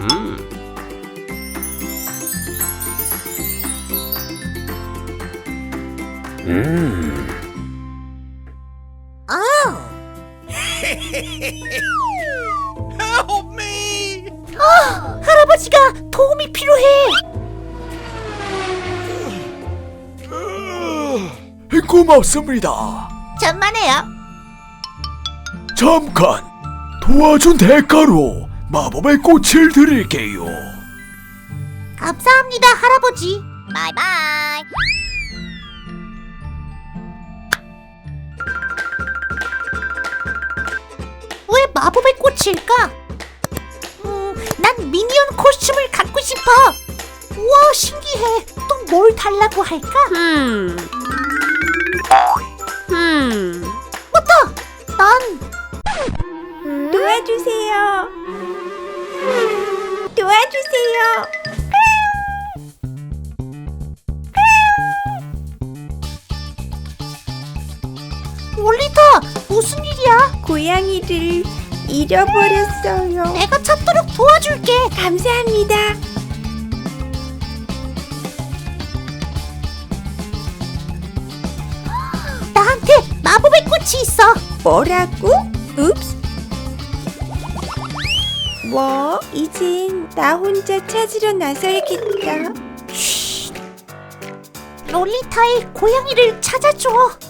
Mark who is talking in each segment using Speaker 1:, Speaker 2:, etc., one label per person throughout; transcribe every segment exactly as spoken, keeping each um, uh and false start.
Speaker 1: 음. 음.
Speaker 2: Help me!
Speaker 3: 아, 할아버지가 도움이 필요해.
Speaker 4: 고맙습니다.
Speaker 3: 천만에요.
Speaker 4: 잠깐 도와준 대가로 마법의 꽃을 드릴게요.
Speaker 3: 감사합니다, 할아버지. 바이바이. 왜 마법의 꽃일까? 음, 난 미니언 코스튬을 갖고 싶어. 우와, 신기해. 또 뭘 달라고 할까?
Speaker 1: 음. 음.
Speaker 3: 맞다! 난
Speaker 5: 도와주세요. 도와주세요.
Speaker 3: 롤리타, 무슨 일이야?
Speaker 5: 고양이를 잃어버렸어요.
Speaker 3: 내가 찾도록 도와줄게.
Speaker 5: 감사합니다.
Speaker 3: 나한테 마법의 꽃이 있어.
Speaker 5: 뭐라고? 읍스. 뭐? 이젠 나 혼자 찾으러 나서야겠다.
Speaker 3: 롤리타의 고양이를 찾아줘.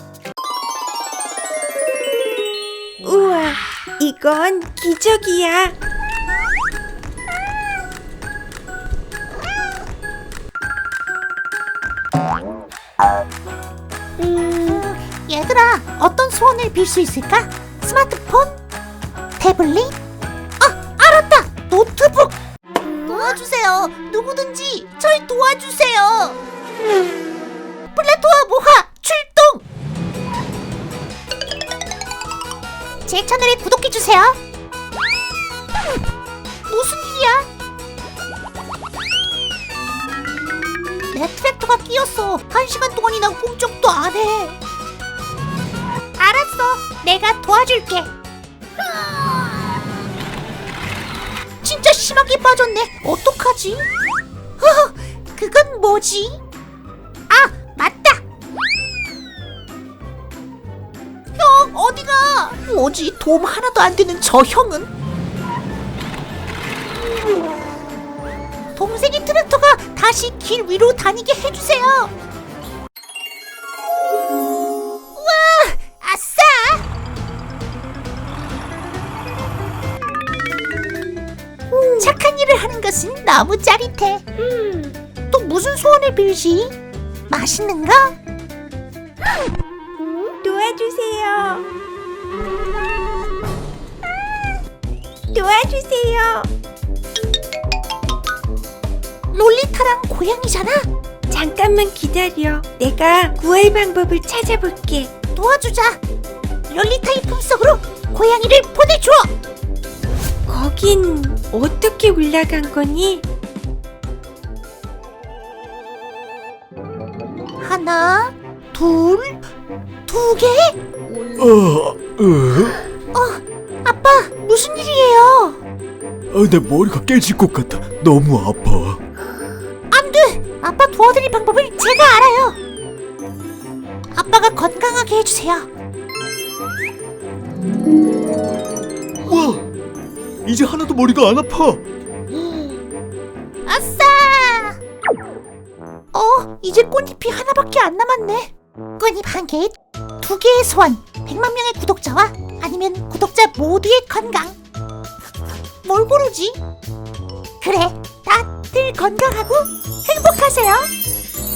Speaker 5: 우와, 이건 기적이야.
Speaker 3: 음, 얘들아, 어떤 소원을 빌 수 있을까? 스마트폰? 태블릿? 아, 알았다! 노트북! 도와주세요. 누구든지 절 도와주세요. 플라토와 모하 출동! 제 채널에 구독해주세요. 무슨 일이야? 내 트랙터가 끼었어. 한 시간 동안이나 꼼짝도 안 해. 알았어. 내가 도와줄게. 진짜 심하게 빠졌네. 어떡하지? 허, 그건 뭐지? 아, 맞다. 형, 어디가? 뭐지? 도움 하나도 안 되는 저 형은? 동생의 트랙터가 다시 길 위로 다니게 해주세요. 우와, 아싸! 음, 착한 일을 하는 것은 너무 짜릿해. 음, 또 무슨 소원을 빌지? 맛있는 거?
Speaker 5: 도와주세요. 도와주세요.
Speaker 3: 롤리타랑 고양이잖아?
Speaker 5: 잠깐만 기다려. 내가 구할 방법을 찾아볼게.
Speaker 3: 도와주자. 롤리타의 품속으로 고양이를 보내줘.
Speaker 5: 거긴 어떻게 올라간 거니?
Speaker 3: 하나, 둘, 두 개?
Speaker 4: 어, 어?
Speaker 3: 어, 아빠, 무슨 일이에요?
Speaker 4: 아, 내 머리가 깨질 것 같아. 너무 아파.
Speaker 3: 안 돼! 아빠 도와드릴 방법을 제가 알아요. 아빠가 건강하게 해주세요.
Speaker 4: 와, 이제 하나도 머리가 안 아파.
Speaker 3: 아싸! 어, 이제 꽃잎이 하나밖에 안 남았네. 꽃잎 한 개에 두 개의 소원. 백만 명의 구독자와 아니면 구독자 모두의 건강. 뭘 고르지? 그래, 다들 건강하고 행복하세요.